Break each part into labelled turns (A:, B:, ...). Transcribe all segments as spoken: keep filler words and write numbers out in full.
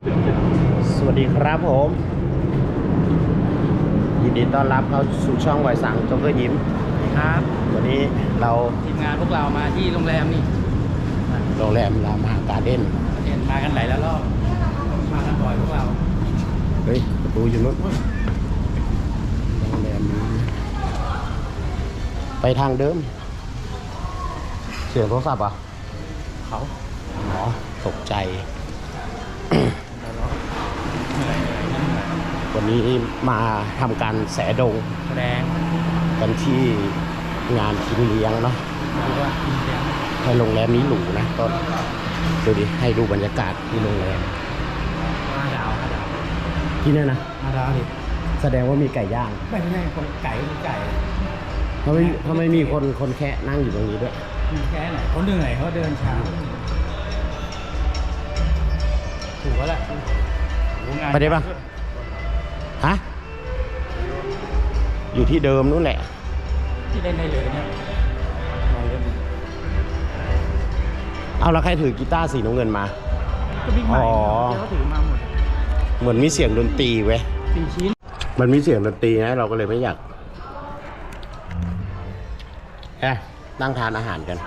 A: สวัสดีครับผมยินดีต้อนรับเข้าสู่ช่องไวสังโจ๊กเกอร์ยิ้ม
B: ครับ
A: วันนี้เรา
B: ทีมงานพวกเรามาที่โรงแรมนี่
A: โรงแรมรามหาการ์เด้น
B: เห็นมากันหลายแล้วรอบมากันบ่อยพวกเรา
A: เฮ้ยประตูอยู่นู้นโรงแรมนี้ไปทางเดิมเสียงโทรศัพท์อ่ะ
B: เขา
A: หมอตกใจวันนี้มาทำการแสดง
B: แสดง
A: กันที่งานกินเลี้ยงเนาะให้โรงแรมนี้หรูนะต้นดูดิให้ดูบรรยากาศที่โรงแรม
B: ห้าดาวห้าดาว
A: ที่นี่นะ
B: ห้าดาวดิ
A: แสดงว่ามีไก่ย่าง
B: ไม่ใช่คนไก่คนไก่
A: เขาไม่เขาไม่มีคนคนแค่นั่งอยู่ตรงนี้ด้วย
B: แค่ไหนเขาเหนื่อยเขาเดินช้าถูกแล้วแหละ
A: ไปได้ปะฮะอยู่ที่เดิมนู่นแหละ
B: ที่เล่นได้เลยเนี่ย
A: เอาแล้วใครถือกีตาร์สีน้ำเงินมา
B: ก็บิ๊กไมค์เขาถือมาหมด
A: เหมือนมีเสียงดนตรีเว้ย
B: สี่ชิ้น
A: มันมีเสียงดนตรีนะเราก็เลยไม่อยากแอะนั่งทานอาหารกัน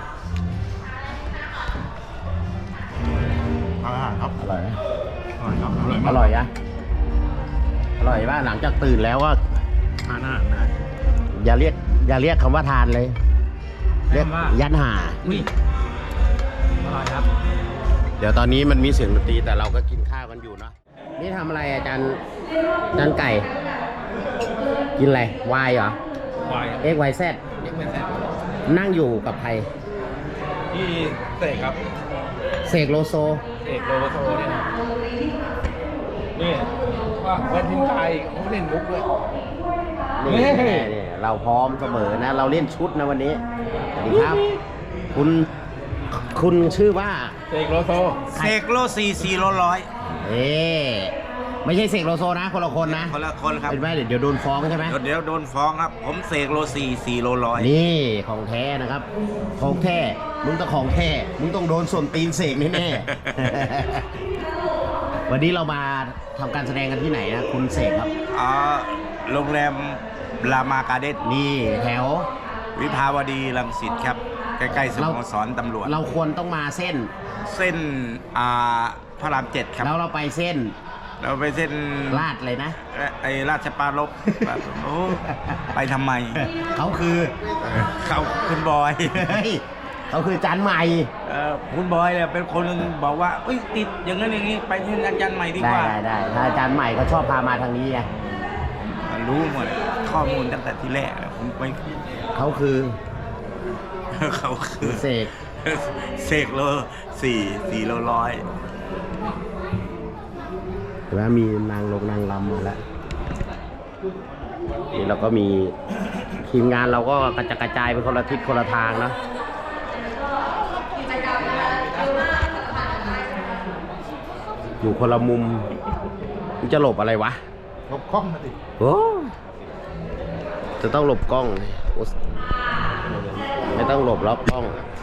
B: อาหารครับ
A: อร่อยไหม
B: อร่อยครับ
A: อร่อยอะอร่อยป่ะหลังจากตื่นแล้วก็
B: ทานอาหารนะ
A: อย่าเรียกอย่าเรียกคำว่าทานเลยเรียกยันหา
B: อุ้ยอร่อยครับ
A: เดี๋ยวตอนนี้มันมีเสียงดนตรีแต่เราก็กินข้าวกันอยู่เนาะนี่ทำอะไรอาจารย์อาจารย์ไก่กินอะไรวายเหรอ
B: วาย
A: เอ็กวายแซดนั่งอยู่กับใคร
B: ที่เสกครับ
A: เสกโลโซ
B: เสกโลโซเนี่ยนี่ว่าเล่นทิ้งไทยเขาเล่นมุกด้วย
A: นี่นี่เราพร้อมเสมอนะเราเล่นชุดนะวันนี้สวัสดีครับคุณคุณชื่อว่า
B: เสกโลโซ
C: เสกโลสี่สี่โลร้อย
A: เอ๊ไม่ใช่เสกโลโซนะคนละคนนะ
C: คนละคนครับ
A: เป็นไหมเดี๋ยวโดนฟ้องใช่ไหม
C: เดี๋ยวโดนฟ้องครับผมเสกโลสี่สี่โลร้อย
A: นี่ของแท้นะครับของแท้มึงต้องของแท้มึงต้องโดนส่วนตีนเสกแน่ๆวันนี้เรามาทำการแสดงกันที่ไหนนะคุณเสกครับ
C: อ๋อโรงแรมรามาการ์เด้น
A: นี่แถว
C: วิภาวดีรังสิตครับใกล้ๆสโมสรตำรวจ
A: เราควรต้องมาเส้น
C: เส้นอ่าพระรามเจ็ดครับ
A: แล้วเราไปเส้น
C: เราไปเส้น
A: ลาดเลยนะ
C: ไอ้ราชปรารภโอ้ไปทำไม
A: เขาคือ
C: เขาคุณบอย
A: เขาคือจานใหม่
C: คุณบอยเนี่ยเป็นคนบอกว่าติดอย่างนั้นอย่างนี้ไปที่อาจารย์ใหม่ดีกว่า
A: ได้ได้ถ้าอาจารย์ใหม่เขาชอบพามาทางนี้ไง
C: รู้หมดข้อมูลตั้งแต่ที่แรกผมไป
A: เขาคือ
C: เขาคือ
A: เสก
C: เสกโลสี่สี่โลร้อย
A: แล้วมีนางลงนางรำมาแล้วนี่เราก็มีทีมงานเราก็กระจายกระจายไปคนละทิศคนละทางนะอยู่คนละมุมมันจะหลบอะไรวะ
B: หลบกล้องมาดิ
A: โอ้จะต้องหลบกล้องไม่ต้องหลบล็อกกล้อง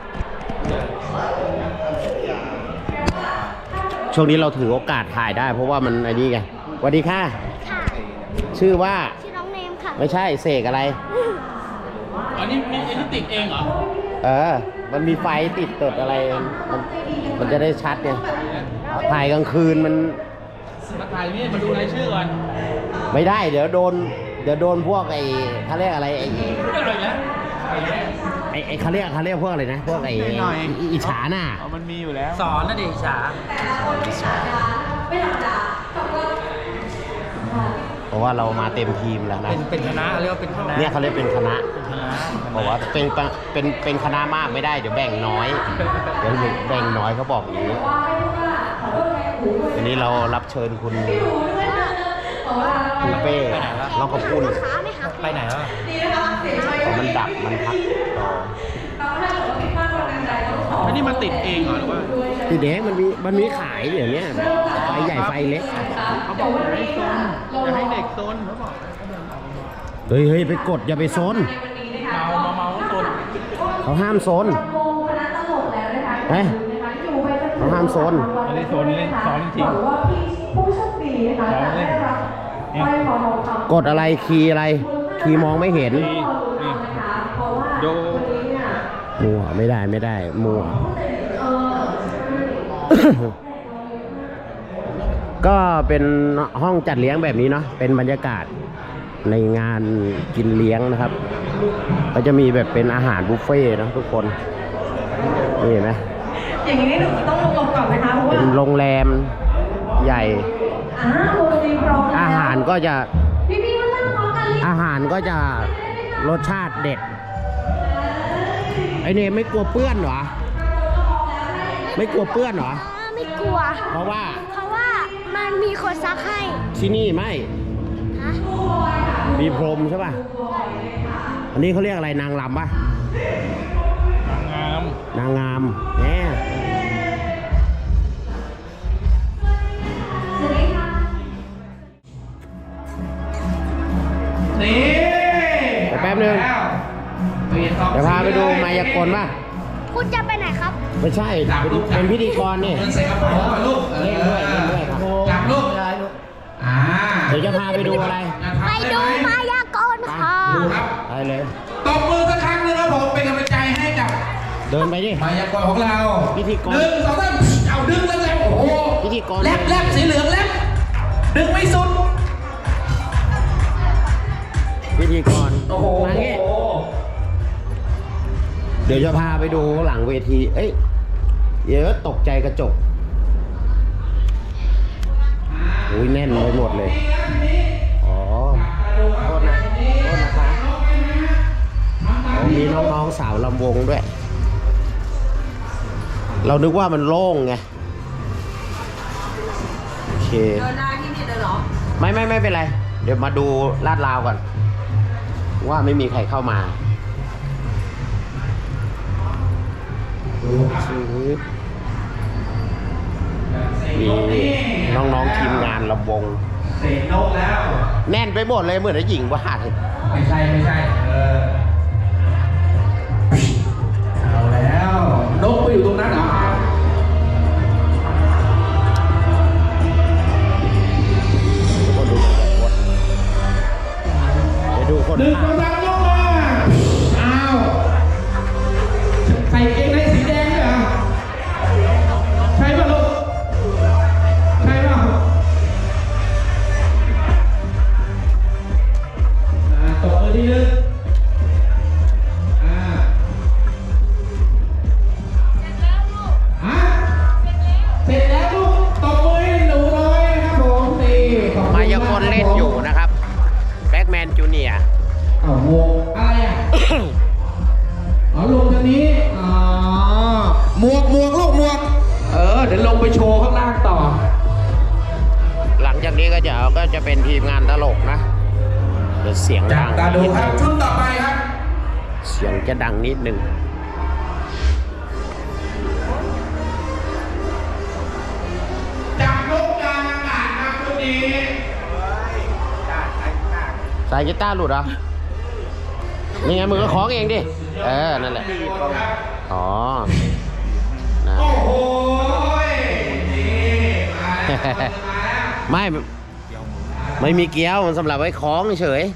A: ช่วงนี้เราถือโอกาสถ่ายได้เพราะว่ามันไอ้นี่ไงสวัสดีค่ะชื่อว่า
D: ชื่อน้องเนมค่ะ
A: ไม่ใช่เสกอะไร
B: อันนี้มีอันนี้ติดเองเหรอ
A: เออมันมีไฟติดตดอะไรมันมันจะได้ชัดเนี่ยถ่ายกลางคืนมัน
B: มาถ่ายนี่มาดูรายชื่อก่อน
A: ไม่ได้เดี๋ยวโดนเดี๋ยวโดนพวกไอ้เขาเรียกอะไรไอ้ไอ้ไอ้เขาเรียกเขาเรียกพวกอะไรนะพวกไอ้อิจฉาหน้า
B: มันมีอยู่แล้วสอนนะดิอิจฉา
A: เพราะว่าเรามาเต็มทีมแล้วนะ
B: เป็นเป็นคณะเรียกว่าเป็นคณะ
A: เนี่ยเขาเรียกเป็นคณะเพราะว่าเป็นเป็นเป็นคณะมากไม่ได้เดี๋ยวแบ่งน้อยเดี๋ยวแบ่งน้อยเขาบอกอย่างนี้วันนี้เรารับเชิญคุณปูเป้เราก็พูด
B: ไปไหนแล้ว
A: มันดับมันพัก
B: ต่ออันนี้มันติดเองเหรอหรือว่า
A: ติดเองมันมีมันมีขายเดี๋ยวนี้ไฟใหญ่ไฟเล็ก
B: เขาบอกให้โซนจะให้เด็กโซนเขาบอก
A: เฮ้ยเฮ้ยไปกดอย่าไปโซน
B: เมาเมาเมาโซน
A: เขาห้ามโซนเฮ้ยเขาห้ามโซน
B: อันนี้โซนเล่นซ้อนจริง
D: ว่าผู้โชคดีนะคะจะได้รับสร้อยคอทองคำ
A: กดอะไรคีย์อะไร คีย์มองไม่เห็น
B: นี่นี่โด
A: มัวไม่ได้ไม่ได้มัว ก็เป็นห้องจัดเลี้ยงแบบนี้เนาะเป็นบรรยากาศในงานกินเลี้ยงนะครับ ก็จะมีแบบเป็นอาหารบุฟเฟ่ต์นะทุกคนนี่เห็นไหม
D: อย่างนี้หนูต้องลงก่อนไหมคะเพราะว่า
A: เป็นโรงแรมใหญ่
D: อ่าโรงตีพร้อมแล้ว
A: อาหารก็จะ
D: พี่พี่มานั่งพร้อมกันเลย
A: อาหารก็จะรสชาติเด็ดไอเนมไม่กลัวเปื้อนเหรอไม่กลัวเปื้อนเหรอ
E: ไม่กลัว
A: เพราะว่า
E: เพราะว่ามันมีคนซักให้
A: ที่นี่ไม่
E: ฮะ
A: มีพรมใช่ป่ะอันนี้เขาเรียกอะไรนางรำป่ะ
B: นางงาม
A: นางงามแหม
B: นี่
A: เดี๋ยวแป๊บนึงเดี๋ยวพาไปดูมายากลป่ะ
E: คุณจะไปไหนครับ
A: ไม่ใช่เป็นเป็นพิธีกรนี่
F: เงินใส่กระเป๋าก่อนลูก
A: เล่นด้วยเล่นด้วยครับ
F: จับลูกอ่า
A: เดี๋ยวจะพาไปดูอะไร
E: ไปดูมายากลค่ะ
F: ดูครับ
A: ไปเลย
F: ตบมือสักครั้งหนึงครับผม เป็นกำลังใจให้กับ
A: เดินไปดิ
F: มายากลของเรา
A: พิธีกร
F: หนึ่งสองสามเอาดึงแล้วแล้วโอ้โห
A: พิธีกร
F: แลบแลบสีเหลืองแลบดึงไม่สุด
A: พิธีกร
F: โอ้โห
A: มางี้เดี๋ยวจะพาไปดูหลังเวที เอ้ยเดี๋ยวตกใจกระจกอุ้ยแน่นไปหมดเลย อ๋อ โทษนะ โทษนะคะอ๋อมีน้องๆสาวลำวงด้วย เรานึกว่ามันโล่งไง โอเค
D: เดินหน้าที่นี่เลยเหรอ
A: ไม่ไม่ไม่เป็นไร เดี๋ยวมาดูลาดราวก่อน ว่าไม่มีใครเข้ามามีน้องๆทีมงานลำวง
F: เสร็จนกแล้ว
A: แน่นไปหมดเลยเหมือนไอ้หญิงว่าด
F: ไม่ใช่ไม่ใช่ เออ เอาแล้ว นกไปอยู่ตรงนั้นเหรอ
A: ไปดูคน
F: หนึ่งสองสามยกมาอ้าว ใส่เกงในสีแดงด้วยเหรอ ใช่ป่ะลูก ใช่ป่ะอ่าตบมือทีนึงอ่าฮะเสร็จแล้วลูก ตบมือให้หนูน้อยนะครับผมนี่ขอบคุณ
A: มายากลเล่นอยู่นะครับ แบ็กแมนจูเนียร์
F: อ้าววงอะไรอ่ะ อ๋อลงทางนี้ อ๋อ หมวกหมวกลูกหมวก เออ เดี๋ยวลงไปโชว์ข้างล่างต่อ
A: หลังจากนี้ก็จะก็จะเป็นทีมงานตลกนะเดี๋ยวเสียง
F: จั
A: ดั
F: บ
A: ง
F: ตาดู
A: นิด
F: ค
A: นึ
F: รับ
A: ง
F: ชุดต่อไปครับ
A: เสียงจะดังนิดนึง
F: จับนกกลางอากาศครับชุดนี้
A: สายกีตาร์หลุดเหรอ นี่ไงมือก็คล้องเองดิ เออ นั่นแหละ อ๋อนะ
F: โอ้โหนี่มาแล้วมาแล้ว
A: ไม่ ไม่มีเกี้ยว มันสำหรับไว้คล้องเฉย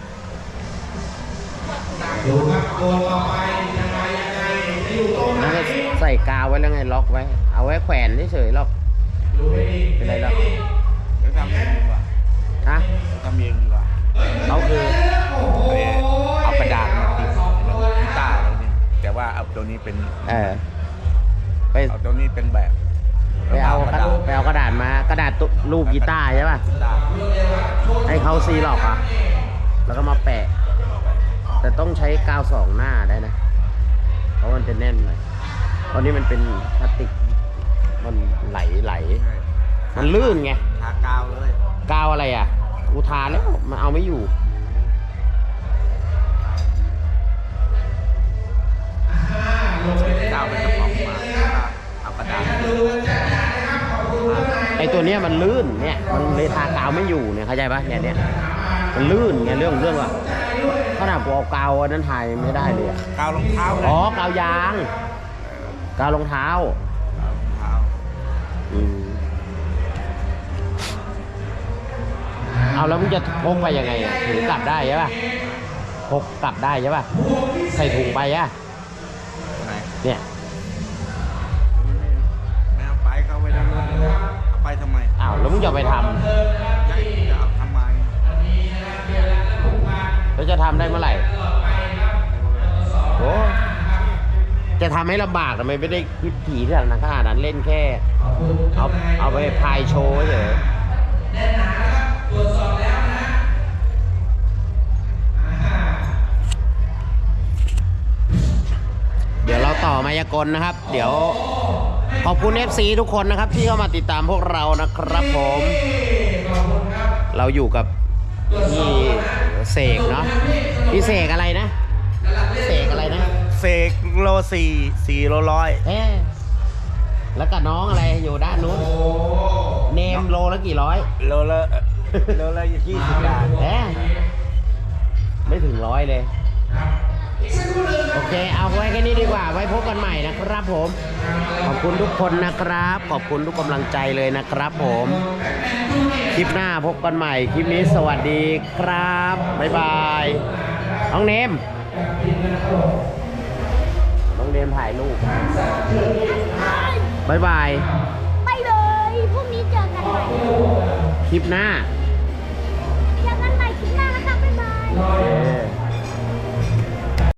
F: ดูครับตัวต่อไปยังไงยังไงจะอยู่ตรงไหน
A: นั่นก็ใส่กาวไว้แล้วไงล็อกไว้ เอาไว้แขวนเฉยๆหรอก
F: ดูให้ดี
A: เป็นไรหรอก
C: จะทำเองดีกว่า
A: ฮะ
C: ทำเองดีกว่า
A: เขาคือ
F: โอ้โห
C: เอากระดาษมาติดกีตาร์แล้วนี่แต่ว่าเอาตัวนี้เป็น
A: เออ ไป
C: เอาตัวนี้เป็นแบบ
A: ไปเอากระไปเอากระดาษมา กระดาษตุรูปกีตาร์ใช่ป่ะ
C: กีตาร์
A: ให้เขาซีหลอกอ่ะ แล้วก็มาแปะ แต่ต้องใช้กาวสองหน้าได้นะ เพราะมันจะแน่นหน่อยตอนนี้มันเป็นพลาสติก มันไหลไหล มันลื่นไง
C: ทากาวเลย
A: กาวอะไรอ่ะกูทาแล้วมันเอาไม่อยู่
C: กาวเป็นกระป๋องมาเอากระดาษ
A: ไอตัวเนี้ยมันลื่นเนี่ย มันเลยทากาวไม่อยู่เนี่ยเข้าใจปะเนี่ยเนี่ยมันลื่นไงเรื่องเรื่องว่าขนาดกูเอากาวอันนั้นถ่ายไม่ได้เลยอะ
C: กาวรองเท้า
A: อ๋อกาวยาง กาวรองเท้า
C: กาวรองเท้า
A: แล้วมึงจะพกไปยังไงอ่ะถือกลับได้ใช่ป่ะพกกลับได้ใช่ป่ะใส่ถุงไปอ่ะ
C: ไหน
A: เนี่ย
C: ไม่เอาไปเขาไปด้านนู้นเอาไปทำไม
A: อ้าวแล้วมึงจะเอาไปทำ
C: จะจะเอาทำไม
A: แล้วจะทำได้เมื่อไหร่โอ้จะทำให้ลำบากทำไมไม่ได้คิดถี่ที่ขนาดนั้นเล่นแค่ เอาเอาไปพายโชว์เฉยเดี๋ยวเราต่อมายากลนะครับ เดี๋ยวขอบคุณ เอฟ ซี ทุกคนนะครับ ที่เข้ามาติดตามพวกเรานะครับผม เราอยู่กับพี่เสกเนาะพี่เสกอะไรนะเสกอะไรนะ
C: เสกโลสี่สี่โลร้อย
A: เอ๊ะแล้วกับน้องอะไรอยู่ด้านนู้นเนมโลละกี่ร้อย
C: โลละโลละยี่สิบบาท
A: เอ๊ะไม่ถึงร้อยเลย โอเค เอาไว้แค่นี้ดีกว่า ไว้พบกันใหม่นะครับผม ขอบคุณทุกคนนะครับ ขอบคุณทุกกำลังใจเลยนะครับผม คลิปหน้าพบกันใหม่ คลิปนี้สวัสดีครับ บ๊ายบาย น้องเนม น้องเนมถ่ายรูปบ๊ายบาย
E: ไปเลย พรุ่งนี้เจอกันใหม่
A: คลิปหน้า
E: เจอกันใหม่คลิปหน้านะคะบ๊ายบาย
A: เย้